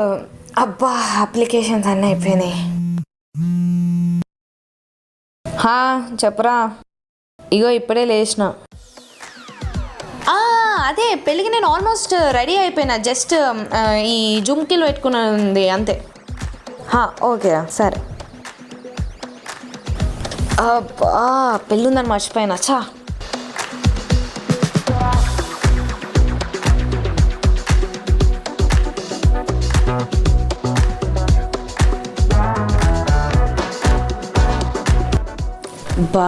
అబ్బా అప్లికేషన్స్ అన్నీ అయిపోయినాయి. చెప్పరా. ఇగో ఇప్పుడే లేచిన. అదే పెళ్ళికి నేను ఆల్మోస్ట్ రెడీ అయిపోయినా. జస్ట్ ఈ జుమ్కీలో పెట్టుకున్నది అంతే. ఓకే సరే. అబ్బా పెళ్ళి ఉందని మర్చిపోయినా. బా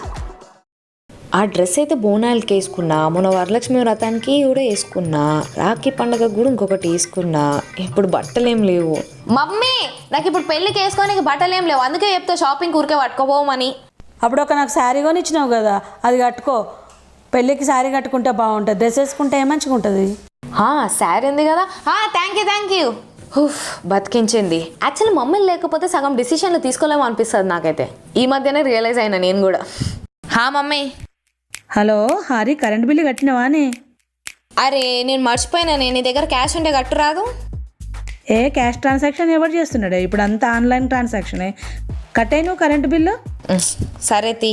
ఆ డ్రెస్ అయితే బోనాలకి వేసుకున్నా, మొన్న వరలక్ష్మి వ్రతానికి కూడా వేసుకున్నా, రాఖీ పండుగ కూడా ఇంకొకటి వేసుకున్నా. ఇప్పుడు బట్టలు ఏం లేవు మమ్మీ. నాకు ఇప్పుడు పెళ్ళికి వేసుకోనికి బట్టలు ఏం లేవు. అందుకే చెప్తా షాపింగ్ ఊరికే పట్టుకోపోమని. అప్పుడు నాకు శారీ కొని ఇచ్చినావు కదా, అది కట్టుకో. పెళ్ళికి శారీ కట్టుకుంటే బాగుంటుంది, డ్రెస్ వేసుకుంటే మంచిగా ఉంటుంది. శారీ ఉంది కదా. Thank you. బతికించింది. యాక్చువల్లీ మమ్మీ లేకపోతే సగం డిసిషన్లు తీసుకోలేమో అనిపిస్తుంది నాకైతే. ఈ మధ్యనే రియలైజ్ అయినా నేను కూడా. మమ్మీ. హలో హారి, కరెంట్ బిల్లు కట్టినవానే? అరే నేను మర్చిపోయినా. నీ దగ్గర క్యాష్ ఉంటే కట్టు రాదు? క్యాష్ ట్రాన్సాక్షన్ ఎవరు చేస్తున్నాడే? ఇప్పుడు అంతా ఆన్లైన్ ట్రాన్సాక్షనే. కట్టాయి నువ్వు కరెంటు బిల్లు? సరే తీ.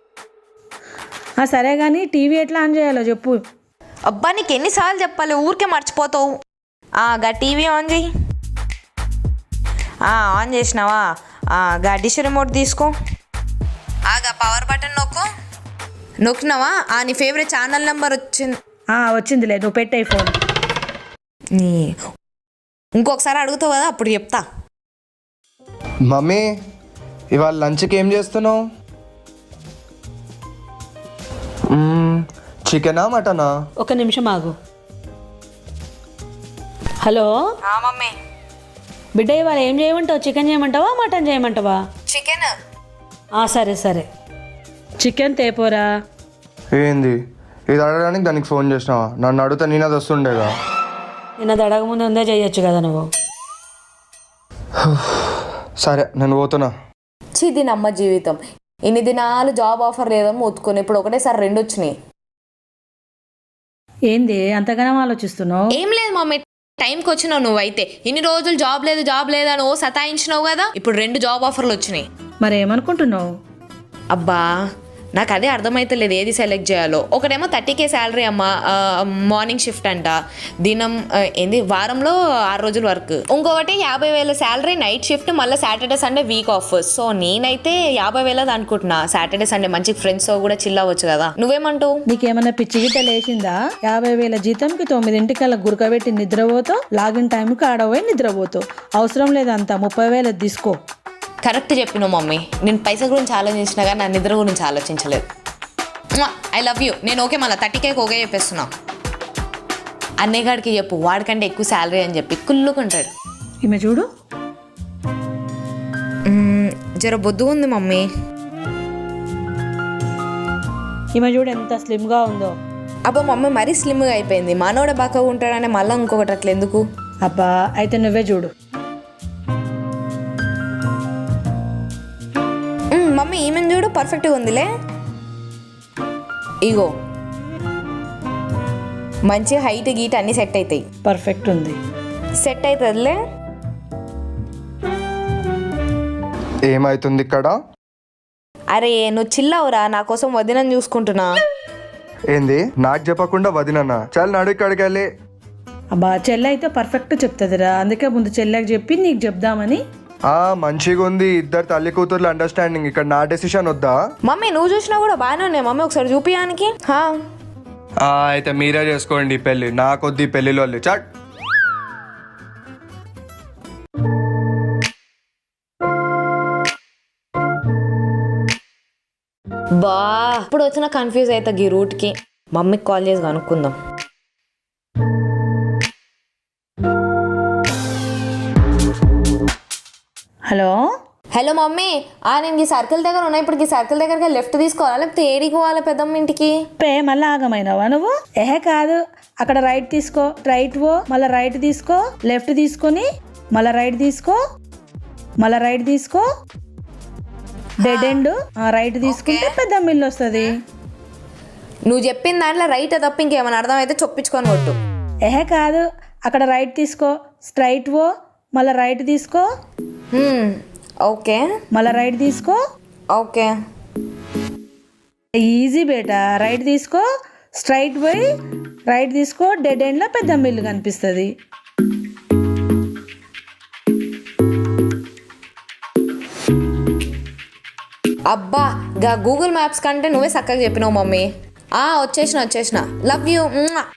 సరే కానీ టీవీ ఎట్లా ఆన్ చేయాలో చెప్పు. అబ్బా నీకు ఎన్నిసార్లు చెప్పాలి, ఊరికే మర్చిపోతావు. గా టీవీ ఆన్ చేయి. ఆన్ చేసినావా? గా డిష్ రిమోట్ తీసుకో. గా పవర్ బటన్ నొక్కినావా? నీ ఫేవరెట్ ఛానల్ నెంబర్ వచ్చిందిలే, నువ్వు పెట్టే ఫోన్. ఇంకొకసారి అడుగుతావు కదా, అప్పుడు చెప్తా. మమ్మీ ఇవాళ లంచ్కి ఏం చేస్తున్నావు? చికెనా మటనా? ఒక నిమిషం ఆగు. Hello mummy. బిడ్డ ఇవాళ ఏం చేయమంటావు? చికెన్ చేయమంటావా మటన్ చేయమంటావా? చికెన్. సరే చికెన్ తేపోరా. ఏంది ఇది అడగడానికి దానికి ఫోన్ చేసినావా? నన్ను అడిగితే నేను అది వస్తుండేగా. నేను అది అడగముందు ఉందే చేయొచ్చు కదా నువ్వు. సరే నేను పోతున్నా. దీని అమ్మ జీవితం. ఇన్ని దినాలు జాబ్ ఆఫర్ లేదని మొత్తుకుని ఇప్పుడు ఒకటేసారి 2 వచ్చినాయి. ఏంది అంతగానో ఆలోచిస్తున్నావు? ఏం లేదు మమ్మీ, టైంకి వచ్చినావు నువ్వైతే. ఇన్ని రోజులు జాబ్ లేదు అని సతాయించినావు కదా, ఇప్పుడు 2 జాబ్ ఆఫర్లు వచ్చినాయి. మరి ఏమనుకుంటున్నావు? అబ్బా నాకు అదే అర్థమైతలేదు ఏది సెలెక్ట్ చేయాలో. ఒకటేమో 30K శాలరీ అమ్మ, మార్నింగ్ షిఫ్ట్ అంట, దినం వారంలో 6 రోజులు వర్క్. ఇంకొకటి 50,000 శాలరీ, నైట్ షిఫ్ట్, మళ్ళీ Saturday Sunday week off. So నేనైతే 50,000 అనుకుంటున్నా. సాటర్డే సండే మంచి ఫ్రెండ్స్ తో కూడా చిల్ అవ్వచ్చు కదా. నువ్వేమంటావు? నీకేమన్నా పిచ్చి గిట్ట లేచిందా? 50,000 జీతంకి 9 గురకబెట్టి నిద్రపోతావు, లాగిన్ టైంకి ఆడపోయి నిద్రపోతావు. అవసరం లేదంతా 30,000 తీసుకో. కరెక్ట్ చెప్పినావు మమ్మీ. నేను పైసా గురించి ఆలోచించినా కానీ నా నిద్ర గురించి ఆలోచించలేదు. I love you. నేను ఓకే, మళ్ళీ 30K ఓకే చెప్పేస్తున్నా. అన్నయ్యగాడికి చెప్పు, వాడికంటే ఎక్కువ శాలరీ అని చెప్పి కుళ్ళుకుంటాడు. ఈమె చూడు, జర బొద్దు ఉంది మమ్మీ. ఈమె చూడు ఎంత స్లిమ్గా ఉందో. అబ్బా మమ్మీ మరీ స్లిమ్గా అయిపోయింది. మనోడే బాగా ఉంటాడనే మళ్ళీ ఇంకొకటి అట్లా ఎందుకు? అబ్బా అయితే నువ్వే చూడు. మమ్మీ ఈమెను చూడు, పర్ఫెక్ట్గా ఉందిలే. ఇగో మంచి హైట్ గీట్ అన్నీ సెట్ అవుతాయి. పర్ఫెక్ట్ ఉంది, సెట్ అవుతుందిలే. ఏమైతుంది ఇక్కడ? అరే నువ్వు చిల్లవురా, నా కోసం వదినని చూసుకుంటున్నా. ఏంది నాకు చెప్పకుండా వదినన్నా? చాలా నడు ఇక్కడికి వెళ్ళి. అబ్బా చెల్లె అయితే పర్ఫెక్ట్ చెప్తుందిరా, అందుకే ముందు చెల్లెకి చెప్పి నీకు చెప్దామని. మంచిగా ఉంది, ఇద్దరు తల్లి కూతుర్లు అండర్స్టాండింగ్. ఇక్కడ నా డెసిషన్ వద్దా? మమ్మీ నువ్వు చూసినా కూడా బాగానే ఉన్నాయి మమ్మీ, ఒకసారి చూపియానికి. అయితే మీరే చేసుకోండి పెళ్ళి, నాకొద్ది పెళ్ళిలో చట్. ఇప్పుడు వచ్చిన కన్ఫ్యూజ్ అవుతా ఈ రూట్కి. మమ్మీకి కాల్ చేసి కనుక్కుందాం. Hello mummy. నేను ఈ సర్కిల్ దగ్గర ఉన్నా. ఇప్పుడు ఈ సర్కిల్ దగ్గరకి లెఫ్ట్ తీసుకోవాలా లేకపోతే ఏడికి పోవాలి పెద్దమ్మ ఇంటికి? మళ్ళీ ఆగమైనావా నువ్వు? కాదు, అక్కడ రైట్ తీసుకో, రైట్ పో, మళ్ళీ రైట్ తీసుకో, లెఫ్ట్ తీసుకొని మళ్ళీ రైట్ తీసుకో, మళ్ళీ రైట్ తీసుకో, డెడ్ ఎండ్. రైట్ తీసుకుంటే పెద్దమ్మ ఇల్లు వస్తుంది. నువ్వు చెప్పిన దాంట్లో రైట్ తప్ప ఇంకేమైనా అర్థమైతే చొప్పించుకొని కొట్టు. కాదు, అక్కడ రైట్ తీసుకో, స్ట్రైట్ పో, మళ్ళీ రైట్ తీసుకో, ఓకే మళ్ళీ రైట్ తీసుకో. ఓకే ఈజీ బేటా. రైట్ తీసుకో, స్ట్రైట్ పోయి రైట్ తీసుకో, డెడ్ ఎండ్లో పెద్ద ఇల్లు కనిపిస్తుంది. అబ్బా గా గూగుల్ మ్యాప్స్ కంటే నువ్వే చక్కగా చెప్పినావు మమ్మీ. వచ్చేసిన లవ్ యూ.